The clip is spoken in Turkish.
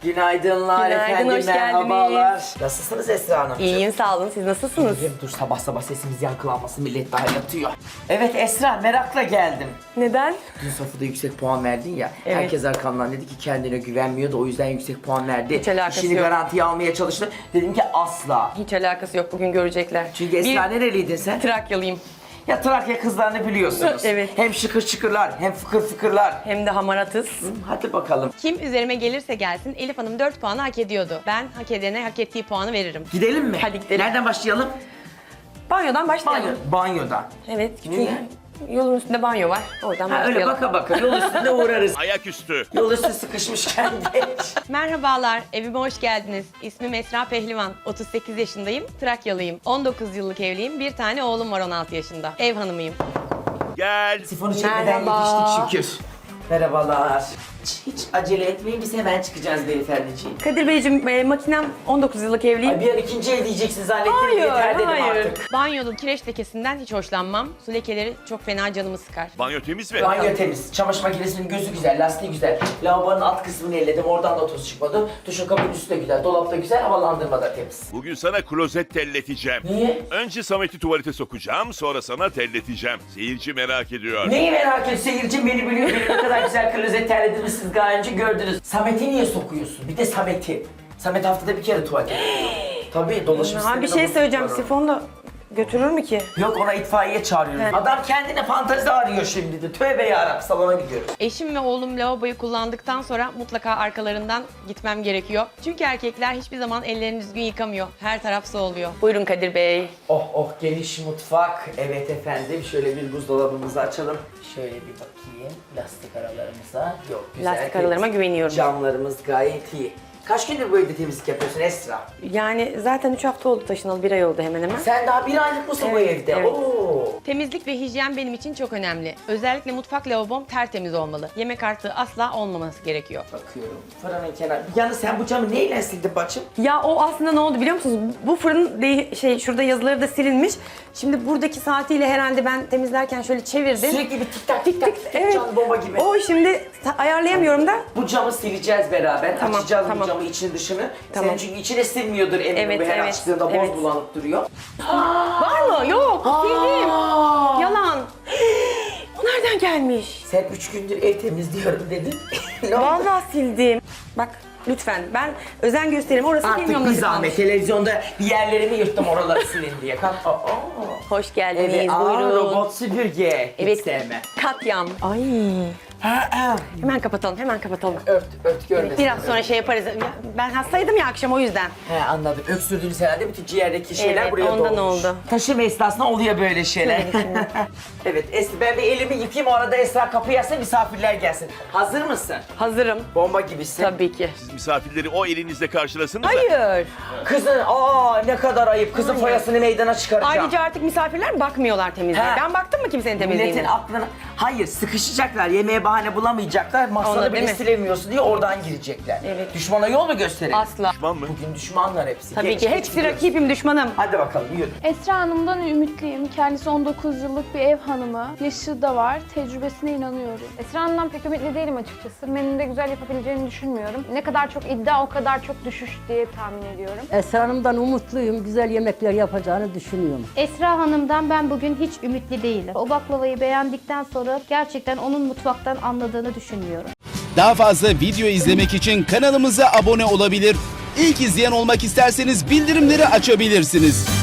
Günaydınlar Günaydın, efendim, hoş merhabalar. geldiniz. Nasılsınız Esra Hanımcığım? İyiyim, sağ olun. Siz nasılsınız? İyiyim, dur sabah sabah sesimiz yankılanmasın, millet daha yatıyor. Evet Esra, merakla geldim. Neden? Dün Safu'da yüksek puan verdin ya, Evet. herkes arkamdan dedi ki kendine güvenmiyordu, o yüzden yüksek puan verdi. Hiç alakası İşini yok. garantiye almaya çalıştı. Dedim ki asla. Hiç alakası yok, bugün görecekler. Çünkü Esra nereliydin sen? Trakyalıyım. Ya Trakya kızlarını biliyorsunuz. Evet. Hem şıkır şıkırlar, hem fıkır fıkırlar. Hem de hamaratız. Hadi bakalım. Kim üzerime gelirse gelsin Elif Hanım 4 puanı hak ediyordu. Ben hak edene hak ettiği puanı veririm. Gidelim mi? Hadi gidelim. Nereden başlayalım? Banyodan başlayalım. Banyodan. Evet, çünkü Niye? yolun üstünde banyo var. Oradan Ha, öyle başlayalım. baka baka yol üstünde uğrarız. Ayaküstü. Yol üstü sıkışmışken geç. Merhabalar, evime hoş geldiniz. İsmim Esra Pehlivan, 38 yaşındayım, Trakyalıyım. 19 yıllık evliyim, bir tane oğlum var 16 yaşında. Ev hanımıyım. Gel. Sifonu çekmeden Merhaba. yetiştik şükür. Merhabalar. Hiç acele etmeyin, biz hemen çıkacağız beyefendiciğim. Kadir Beyciğim, makinem 19 yıllık evliyim. Ay bir an ikinci el diyeceksin zannettim, Hayır, yeter dedim hayır. artık. Banyonun kireç lekesinden hiç hoşlanmam. Su lekeleri çok fena canımı sıkar. Banyo temiz mi? Banyo temiz, çamaşır makinesinin gözü güzel, lastiği güzel. Lavabonun alt kısmını elledim, oradan da toz çıkmadı. Duşun kabinin üstü de güzel, dolap da güzel, havalandırma da temiz. Bugün sana klozet telleteceğim. Niye? Önce Samet'i tuvalete sokacağım, sonra sana telleteceğim. Seyirci merak ediyor. Neyi merak ediyorsun? Seyircim beni biliyor, benim ne kadar güzel klozet terlediğimi siz daha önce gördünüz. Samet'i niye sokuyorsun? Bir de Samet'i. Samet haftada bir kere tuvalete gidiyor. Tabii dolaşım Ha, bir sistemine şey söyleyeceğim, bozuklar o. sifonu da götürür mü ki? Yok, ona itfaiye çağırıyoruz. Evet. Adam kendine fantezi arıyor şimdi de. Tövbe yarabbim, salona gidiyoruz. Eşim ve oğlum lavaboyu kullandıktan sonra mutlaka arkalarından gitmem gerekiyor. Çünkü erkekler hiçbir zaman ellerini düzgün yıkamıyor. Her taraf su oluyor. Buyurun Kadir Bey. Oh oh, geniş mutfak. Evet efendim, şöyle bir buzdolabımızı açalım. Şöyle bir bakayım lastik aralarımıza. Yok, güzel. Lastik aralarıma güveniyorum. Camlarımız gayet iyi. Kaç gündür bu evde temizlik yapıyorsun Esra? Yani zaten 3 hafta oldu taşınalı, 1 ay oldu hemen hemen. Sen daha bir aylık mısın bu Evet, evde? evet. Oo. Temizlik ve hijyen benim için çok önemli. Özellikle mutfak lavabom tertemiz olmalı. Yemek artığı asla olmaması gerekiyor. Bakıyorum, fırının kenarı. Yalnız sen bu camı neyle sildin bacım? Ya o aslında ne oldu biliyor musunuz? Bu fırın şurada yazıları da silinmiş. Şimdi buradaki saatiyle herhalde ben temizlerken şöyle çevirdim. Sürekli bir tik tak tik tak tik tak, Evet. can bomba gibi. O şimdi ayarlayamıyorum da. Bu camı sileceğiz beraber. Tamam, Açacağız tamam. bu camı, içini dışını. Tamam. Senin çünkü içine sinmiyordur eminim, Evet, bu her evet, açtığında boz evet. bulanıp duruyor. Var mı? Yok. Sildim. Aa! Yalan. O nereden gelmiş? Sen 3 gündür ev temizliyorum dedin. Ne oldu? Vallahi sildim. Bak lütfen ben özen göstereyim. Orası Artık bilmiyorum bir nasıl zahmet. kalmış. Televizyonda bir yerlerimi yırttım oraları silin diye. Kalk. Hoş geldiniz. Evet, Buyurun. robot süpürge. Hiç Evet. sevmem. Katyam. Ay. Hemen kapatalım, hemen kapatalım. Ört görmesin. Biraz sonra şey yaparız. Ya, ben hastaydım ya akşam o yüzden. He, anladım. Öksürdüğünüz herhalde bütün ciğerdeki şeyler Evet, buraya ondan dolmuş. oldu. Taşıma esnasında oluyor böyle şeyler. Evet Esra, ben bir elimi yıkayayım, o arada Esra kapıyı açsın, misafirler gelsin. Hazır mısın? Hazırım. Bomba gibisin. Tabii ki. Siz misafirleri o elinizle karşılasınız da. Hayır. Kızın, ne kadar ayıp. Kızın foyasını meydana çıkaracağım. Ayrıca artık misafirler bakmıyor temizliğe. He. Ben baktım mı kimsenin Milletin temizliğine? aklına... Hayır, sıkışacaklar, yemeğe bahane bulamayacaklar. Masanı Ona bile değil mi? silemiyorsun diye oradan girecekler. Evet. Düşmana yol mu gösterelim? Asla. Düşman mı? Bugün düşmanlar hepsi. Tabii Geç, ki. geç Hepsi gidiyoruz. rakibim, düşmanım. Hadi bakalım, yürü. Esra Hanım'dan ümitliyim. Kendisi 19 yıllık bir ev hanımı. Yaşı da var. Tecrübesine inanıyorum. Esra Hanım'dan pek ümitli değilim açıkçası. Menüde güzel yapabileceğini düşünmüyorum. Ne kadar çok iddia o kadar çok düşüş diye tahmin ediyorum. Esra Hanım'dan umutluyum. Güzel yemekler yapacağını düşünüyorum. Esra Hanım'dan ben bugün hiç ümitli değilim. O baklavayı beğendikten sonra gerçekten onun mutfaktan anladığını düşünmüyorum. Daha fazla video izlemek için kanalımıza abone olabilir. İlk izleyen olmak isterseniz bildirimleri açabilirsiniz.